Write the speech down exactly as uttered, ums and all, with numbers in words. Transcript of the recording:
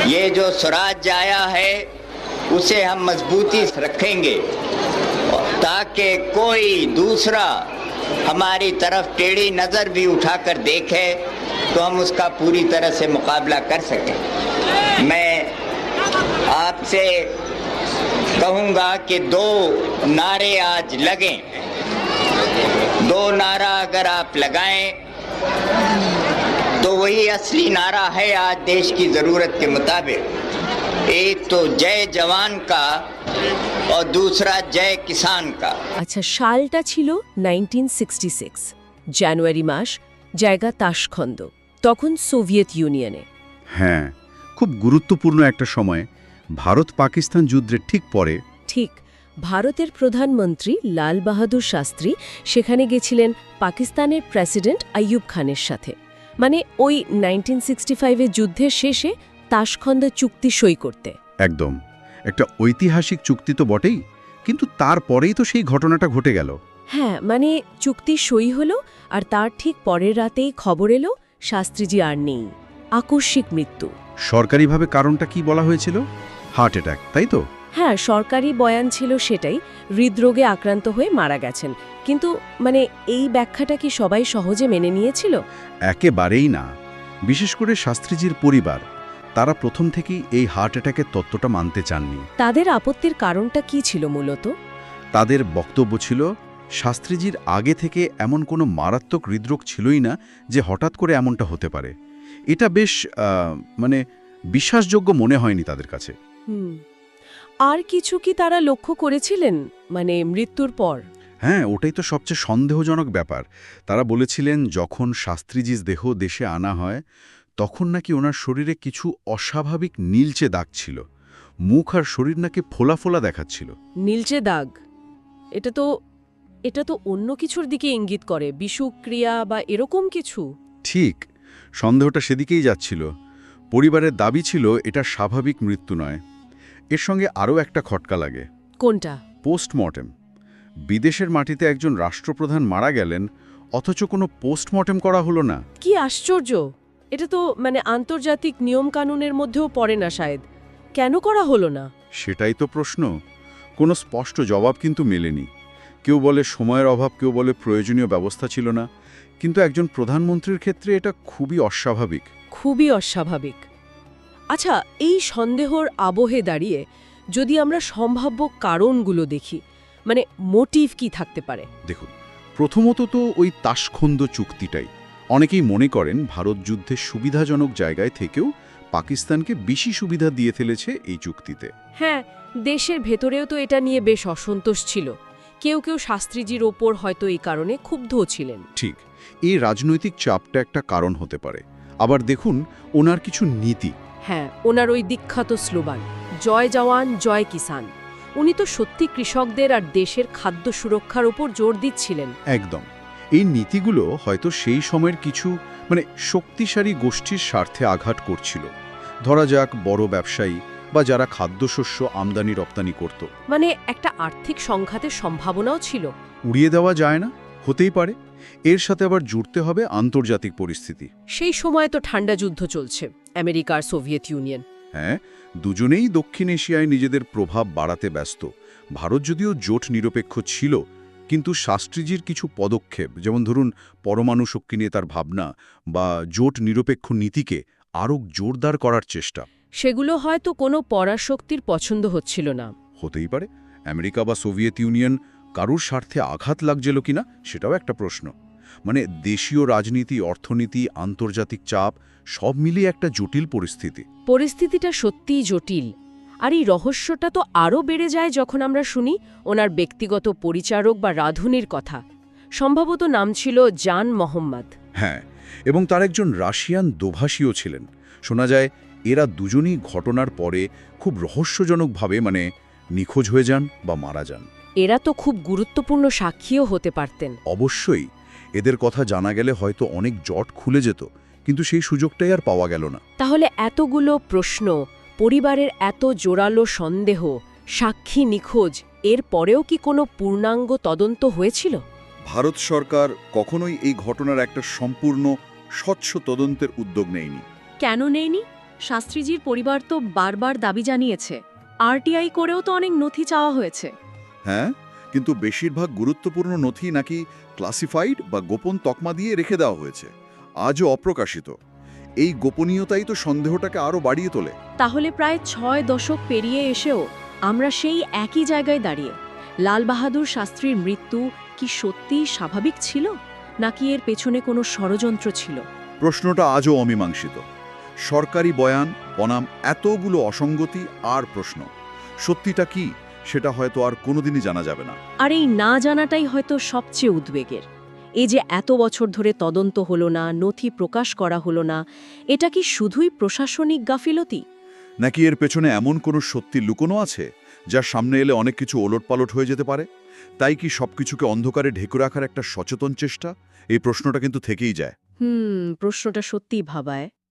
ये जो स्वराज आया है उसे हम मजबूती से रखेंगे ताकि कोई दूसरा हमारी तरफ टेढ़ी नज़र भी उठाकर देखे तो हम उसका पूरी तरह से मुकाबला कर सकें। मैं आपसे कहूँगा कि दो नारे आज लगें। दो नारा अगर आप लगाएं तो वही असली नारा है आज देश की ज़रूरत के मुताबिक। एक तो जय जवान का और दूसरा जय किसान का। আচ্ছা, সালটা ছিল নাইনটিন সিক্সটি সিক্স, জানুয়ারি মাস, জায়গা তাশখন্দ, তখন সোভিয়েত ইউনিয়নে। হ্যাঁ, খুব গুরুত্বপূর্ণ একটা সময়, ভারত পাকিস্তান যুদ্ধের ঠিক পরে। ঠিক, ভারতের প্রধানমন্ত্রী লাল বাহাদুর শাস্ত্রী সেখানে গেছিলেন পাকিস্তানের প্রেসিডেন্ট আইয়ুব খানের সাথে, মানে ওই নাইনটিন সিক্সটি ফাইভের যুদ্ধের শেষে তাশখন্দ চুক্তি সই করতে। একদম, একটা ঐতিহাসিক চুক্তি তো বটেই, কিন্তু তারপরেই তো সেই ঘটনাটা ঘটে গেল। হ্যাঁ, মানে চুক্তি সই হলো আর তার ঠিক পরের রাতেই খবর এলো শাস্ত্রীজি আর নেই। আকস্মিক মৃত্যু। সরকারিভাবে কারণটা কি বলা হয়েছিল? হার্ট অ্যাটাক, তাই তো? হ্যাঁ, সরকারি বয়ান ছিল সেটাই, হৃদরোগে আক্রান্ত হয়ে মারা গেছেন। কিন্তু মানে এই ব্যাখ্যাটা কি সবাই সহজে মেনে নিয়েছিল? একেবারেই না, বিশেষ করে শাস্ত্রীজির পরিবার। তারা প্রথম থেকেই এই হার্ট অ্যাটাকের তত্ত্বটা মানতে চাননি। তাদের আপত্তির কারণটা কি ছিল মূলত? তাদের বক্তব্য ছিল শাস্ত্রীজির আগে থেকে এমন কোনো মারাত্মক হৃদরোগ ছিলই না যে হঠাৎ করে এমনটা হতে পারে। এটা বেশ মানে বিশ্বাসযোগ্য মনে হয়নি তাদের কাছে। হুম, আর কিছু কি তারা লক্ষ্য করেছিলেন মানে মৃত্যুর পর? হ্যাঁ, ওটাই তো সবচেয়ে সন্দেহজনক ব্যাপার। তারা বলেছিলেন যখন শাস্ত্রীজির দেহ দেশে আনা হয় তখন নাকি ওনার শরীরে কিছু অস্বাভাবিক নীলচে দাগ ছিল। মুখ আর শরীর নাকি ফোলা ফোলা দেখাচ্ছিল। নীলচে দাগ, এটা তো এটা তো অন্য কিছুর দিকে ইঙ্গিত করে, বিষুক্রিয়া বা এরকম কিছু। ঠিক, সন্দেহটা সেদিকেই যাচ্ছিল। পরিবারের দাবি ছিল এটা স্বাভাবিক মৃত্যু নয়। এর সঙ্গে আরও একটা খটকা লাগে। কোনটা? পোস্টমর্টেম। বিদেশের মাটিতে একজন রাষ্ট্রপ্রধান মারা গেলেন, অথচ কোনো পোস্টমর্টেম করা হলো না। কি আশ্চর্য! এটা তো মানে আন্তর্জাতিক নিয়মকানুনের মধ্যেও পড়ে না শায়দ। কেন করা হলো না? সেটাই তো প্রশ্ন। কোনো স্পষ্ট জবাব কিন্তু মেলেনি। কেউ বলে সময়ের অভাব, কেউ বলে প্রয়োজনীয় ব্যবস্থা ছিল না। কিন্তু একজন প্রধানমন্ত্রীর ক্ষেত্রে এটা খুবই অস্বাভাবিক। খুবই অস্বাভাবিক। আচ্ছা, এই সন্দেহর আবহে দাঁড়িয়ে যদি আমরা সম্ভাব্য কারণগুলো দেখি, মানে মোটিভ কি থাকতে পারে? দেখুন, প্রথমত তো ওই তাশখন্দ চুক্তিটাই। অনেকেই মনে করেন ভারত যুদ্ধের সুবিধাজনক জায়গায় থেকেও পাকিস্তানকে বেশি সুবিধা দিয়ে ফেলেছে এই চুক্তিতে। হ্যাঁ, দেশের ভেতরেও তো এটা নিয়ে বেশ অসন্তোষ ছিল। কেউ কেউ শাস্ত্রীজির ওপর হয়তো এই কারণে ক্ষুব্ধও ছিলেন। ঠিক, এই রাজনৈতিক চাপটা একটা কারণ হতে পারে। আবার দেখুন ওনার কিছু নীতি। হ্যাঁ, ওনার ওই বিখ্যাত স্লোগান জয় জওয়ান জয় কিষান, উনি তো সত্যি কৃষকদের আর দেশের খাদ্য সুরক্ষার উপর জোর দিচ্ছিলেন। একদম, এই নীতিগুলো হয়তো সেই সময়ের কিছু মানে শক্তিশালী গোষ্ঠীর স্বার্থে আঘাত করছিল। ধরা যাক বড় ব্যবসায়ী বা যারা খাদ্যশস্য আমদানি রপ্তানি করত। মানে একটা আর্থিক সংঘাতের সম্ভাবনাও ছিল। উড়িয়ে দেওয়া যায় না, হতেই পারে। এর সাথে আবার জুড়তে হবে আন্তর্জাতিক পরিস্থিতি। সেই সময় তো ঠান্ডা যুদ্ধ চলছে, আমেরিকা আর সোভিয়েত ইউনিয়ন। হ্যাঁ, দুজনেই দক্ষিণ এশিয়ায় নিজেদের প্রভাব বাড়াতে ব্যস্ত। ভারত যদিও জোট নিরপেক্ষ ছিল, কিন্তু শাস্ত্রীজির কিছু পদক্ষেপ, যেমন ধরুন পরমাণু শক্তি নিয়ে তার ভাবনা বা জোট নিরপেক্ষ নীতিকে আরও জোরদার করার চেষ্টা, সেগুলো হয়তো কোনো পরাশক্তির পছন্দ হচ্ছিল না। হতেই পারে। আমেরিকা বা সোভিয়েত ইউনিয়ন কারুর স্বার্থে আঘাত লাগছিল কিনা সেটাও একটা প্রশ্ন। মানে দেশীয় রাজনীতি, অর্থনীতি, আন্তর্জাতিক চাপ সব মিলিয়ে একটা জটিল পরিস্থিতি। পরিস্থিতিটা সত্যিই জটিল। আর এই রহস্যটা তো আরও বেড়ে যায় যখন আমরা শুনি ওনার ব্যক্তিগত পরিচারক বা রাঁধুনির কথা। সম্ভবত নাম ছিল জান মোহাম্মদ। হ্যাঁ, এবং তার একজন রাশিয়ান দোভাষীও ছিলেন। শোনা যায় এরা দুজনই ঘটনার পরে খুব রহস্যজনকভাবে মানে নিখোঁজ হয়ে যান বা মারা যান। এরা তো খুব গুরুত্বপূর্ণ সাক্ষীও হতে পারতেন। অবশ্যই, এদের কথা জানা গেলে হয়তো অনেক জট খুলে যেত, কিন্তু সেই সুযোগটাই আর পাওয়া গেল না। তাহলে এতগুলো প্রশ্ন, পরিবারের এত জোরালো সন্দেহ, সাক্ষী নিখোঁজ, এর পরেও কি কোনো পূর্ণাঙ্গ তদন্ত হয়েছিল? ভারত সরকার কখনোই এই ঘটনার একটা সম্পূর্ণ স্বচ্ছ তদন্তের উদ্যোগ নেয়নি। কেন নেয়নি? শাস্ত্রীজির পরিবার তো বারবার দাবি জানিয়েছে, আরটিআই করেও তো অনেক নথি চাওয়া হয়েছে। হ্যাঁ, কিন্তু বেশিরভাগ গুরুত্বপূর্ণ নথি নাকি ক্লাসিফাইড বা গোপন তকমা দিয়ে রেখে দেওয়া হয়েছে, আজও অপ্রকাশিত। এই গোপনীয়তাই তো সন্দেহটাকে আরও বাড়িয়ে তোলে। তাহলে প্রায় ছয় দশক পেরিয়ে এসেও আমরা সেই একই জায়গায় দাঁড়িয়ে। লাল বাহাদুর শাস্ত্রীর মৃত্যু কি সত্যিই স্বাভাবিক ছিল, নাকি এর পেছনে কোনো ষড়যন্ত্র ছিল? প্রশ্নটা আজও অমীমাংসিত। সরকারি বয়ান বনাম এতগুলো অসঙ্গতি আর প্রশ্ন। সত্যিটা কি সেটা হয়তো আর কোনোদিনই জানা যাবে না। আর এই না জানাটাই হয়তো সবচেয়ে উদ্বেগের। এই যে এত বছর ধরে তদন্ত হলো না, নথি প্রকাশ করা হলো না, এটা কি শুধুই প্রশাসনিক গাফিলতি, নাকি এর পেছনে এমন কোনো সত্যি লুকোনো আছে যার সামনে এলে অনেক কিছু ওলটপালট হয়ে যেতে পারে? তাই কি সবকিছুকে অন্ধকারে ঢেকে রাখার একটা সচেতন চেষ্টা? এই প্রশ্নটা কিন্তু থেকেই যায়। হুম প্রশ্নটা সত্যিই ভাবায়।